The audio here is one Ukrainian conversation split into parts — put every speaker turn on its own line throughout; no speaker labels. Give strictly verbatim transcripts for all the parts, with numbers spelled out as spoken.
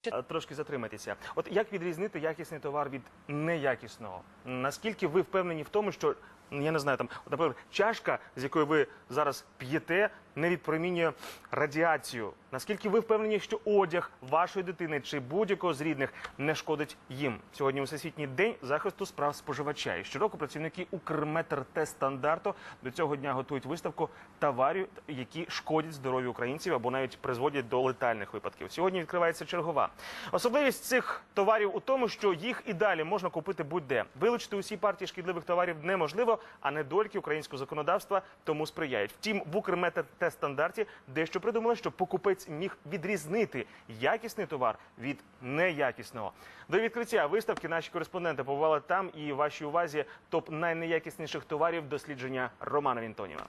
Трошки затриматися. От як відрізнити якісний товар від неякісного? Наскільки ви впевнені в тому, що, я не знаю, там, наприклад, чашка, з якої ви зараз п'єте, не відпромінює радіацію? Наскільки ви впевнені, що одяг вашої дитини чи будь-якого з рідних не шкодить їм? Сьогодні Всесвітній день захисту прав споживача. І щороку працівники Укрметртестстандарту до цього дня готують виставку товарів, які шкодять здоров'ю українців або навіть призводять до летальних випадків. Сьогодні відкривається чергова. Особливість цих товарів у тому, що їх і далі можна купити будь-де. Вилучити усі партії шкідливих товарів неможливо, а недоліки українського законодавства тому сприяють. Втім, в Укрметртестстандарті дещо придумали, щоб покупець міг відрізнити якісний товар від неякісного. До відкриття виставки наші кореспонденти побували там, і вашій увазі топ найнеякісніших товарів дослідження Романа Вінтоніва.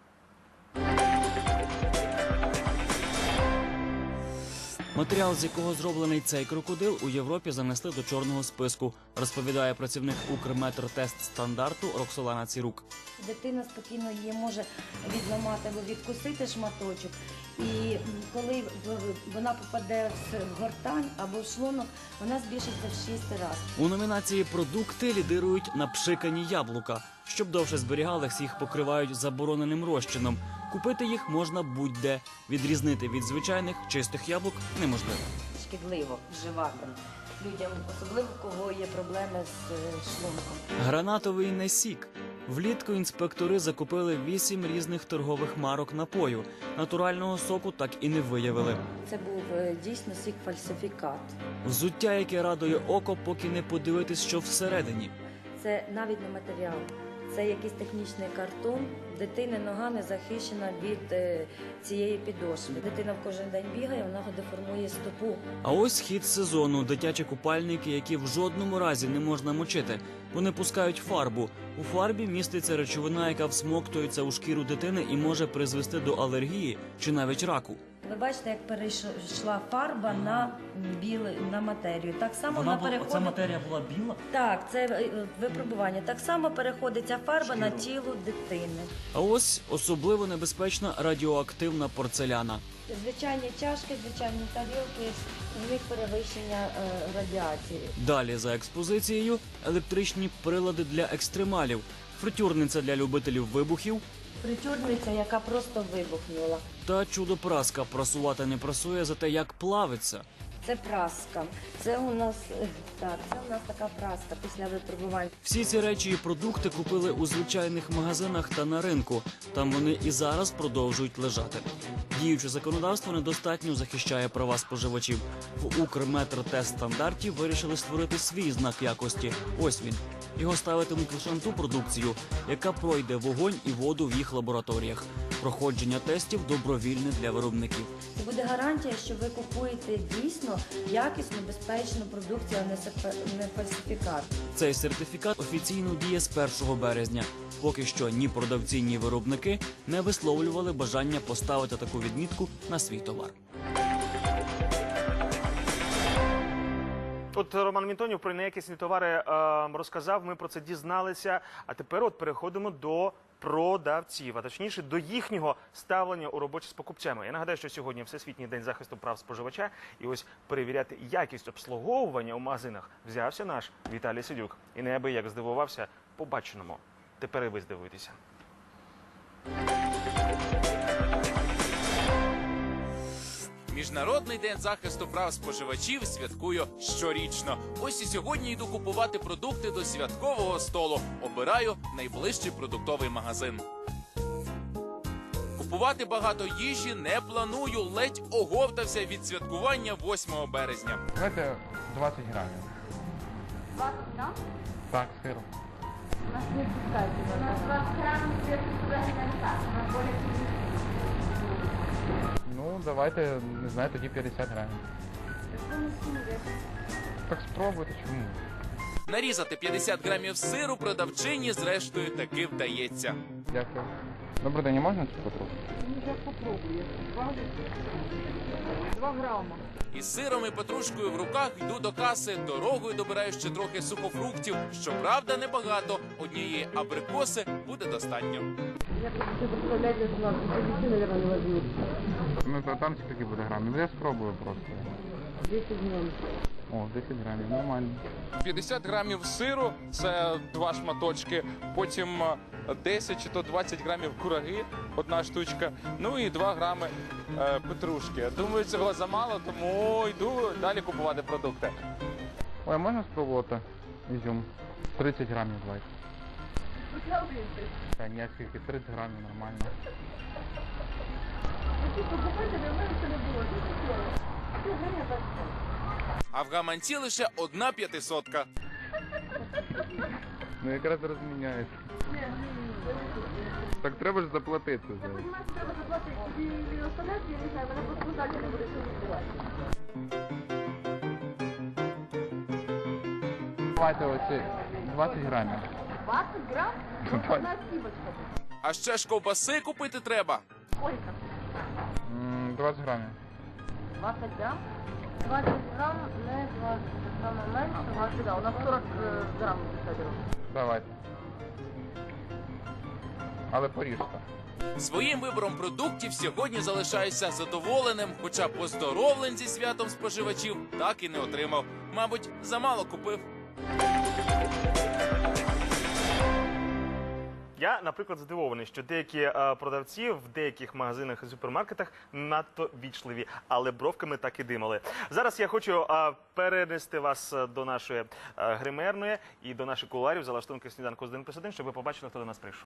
Матеріал, з якого зроблений цей крокодил, у Європі занесли до чорного списку, розповідає працівник Укрметртестстандарту Роксолана Цірук.
Дитина спокійно її може відламати або відкусити шматочок, і коли вона попаде в гортань або в шлунок, вона збільшиться в шість разів.
У номінації «Продукти» лідирують напшикані яблука. Щоб довше зберігалися, їх покривають забороненим розчином. Купити їх можна будь-де. Відрізнити від звичайних чистих яблук неможливо.
Шкідливо вживати людям, особливо у кого є проблеми з шлунком.
Гранатовий не сік. Влітку інспектори закупили вісім різних торгових марок напою. Натурального соку так і не виявили.
Це був дійсно сік-фальсифікат.
Взуття, яке радує око, поки не подивитись, що всередині.
Це навіть не матеріал. Це якийсь технічний картон. Дитини нога не захищена від е, цієї підошви. Дитина в кожен день бігає, вона деформує стопу.
А ось хід сезону – дитячі купальники, які в жодному разі не можна мочити. Вони пускають фарбу. У фарбі міститься речовина, яка всмоктується у шкіру дитини і може призвести до алергії чи навіть раку.
Ви бачите, як перейшла фарба на білу, на матерію. Так само вона, вона переходить...
Ця матерія була біла?
Так, це випробування. Так само переходить ця фарба Шкіру. на тіло дитини.
А ось особливо небезпечна радіоактивна порцеляна.
Звичайні чашки, звичайні тарілки, в них перевищення е, радіації.
Далі за експозицією електричні прилади для екстремалів, фритюрниця для любителів вибухів,
Притюрниця, яка просто вибухнула.
Та чудо-праска. Прасувати не прасує, зате як плавиться.
Це праска. Це у нас так, це у нас така праска після випробувань.
Всі ці речі і продукти купили у звичайних магазинах та на ринку. Там вони і зараз продовжують лежати. Діюче законодавство недостатньо захищає права споживачів. В Укрметртестстандарті вирішили створити свій знак якості. Ось він. Його ставитимуть лише на ту продукцію, яка пройде вогонь і воду в їх лабораторіях. Проходження тестів добровільне для виробників.
Це буде гарантія, що ви купуєте дійсно якісну, безпечну продукцію, а не фальсифікат.
Цей сертифікат офіційно діє з першого березня. Поки що ні продавці, ні виробники не висловлювали бажання поставити таку відмітку на свій товар.
От Роман Вінтонів про неякісні товари е, розказав, ми про це дізналися, а тепер от переходимо до продавців, а точніше до їхнього ставлення у роботі з покупцями. Я нагадаю, що сьогодні Всесвітній день захисту прав споживача, і ось перевіряти якість обслуговування у магазинах взявся наш Віталій Сидюк. І неабияк здивувався побаченому. Тепер і ви здивуєтеся.
Міжнародний день захисту прав споживачів святкую щорічно. Ось і сьогодні йду купувати продукти до святкового столу. Обираю найближчий продуктовий магазин. Купувати багато їжі не планую, ледь оговтався від святкування восьмого березня.
Давайте двадцять грамів.
двадцять грам?
Так, сиру.
У нас не пускайте. У нас двадцять грамів сиру взагалі не так. У нас более.
Ну, давайте, не знаю, тоді п'ятдесят грамів. Так спробуйте, чому?
Нарізати п'ятдесят грамів сиру продавчині зрештою таки вдається.
Дякую. Добрий день, можна цю потроху?
Я попробую. Два грама.
Із сиром і петрушкою в руках йду до каси, дорогою добираю ще трохи сухофруктів. Щоправда, небагато. Однієї абрикоси буде достатньо.
Я просто представляю, что надо. Десяти, наверное, не возьму.
Ну, то там скільки буде грамів? Я спробую просто.
десять грамм.
О, десять грамів, нормально.
п'ятдесят грамів сиру, це два шматочки, потім е, десять чи то двадцять грамів кураги, одна штучка, ну і два грами е, петрушки. Думаю, цього замало, тому йду далі купувати продукти.
Ой, а можна спробувати ізюм? тридцять грамів давайте. Та ні, скільки, тридцять грамів нормально.
А в гаманці лише одна п'ятисотка.
Ну якраз розміняється. Так треба ж заплатити за це. Давайте оці двадцять грамів.
двадцать грамм?
двадцять.
Одна скибочка.
А ще ж ковбаси купити треба.
Сколько?
М, двадцять грамів.
двадцать грамм? двадцать грамм, не двадцать, саме менше, двадцать, да, у нас сорок э, грамм садило.
Давайте. Але поріжте.
Своїм вибором продуктів сьогодні залишаюся задоволеним, хоча поздоровлень зі святом споживачів так і не отримав. Мабуть, замало купив.
Я, наприклад, здивований, що деякі е, продавці в деяких магазинах і супермаркетах надто вічливі, але бровками так і димали. Зараз я хочу е, перенести вас е, до нашої е, гримерної і до наших кулуарів за лаштунки сніданку з один плюс один, щоб ви побачили, хто до нас прийшов.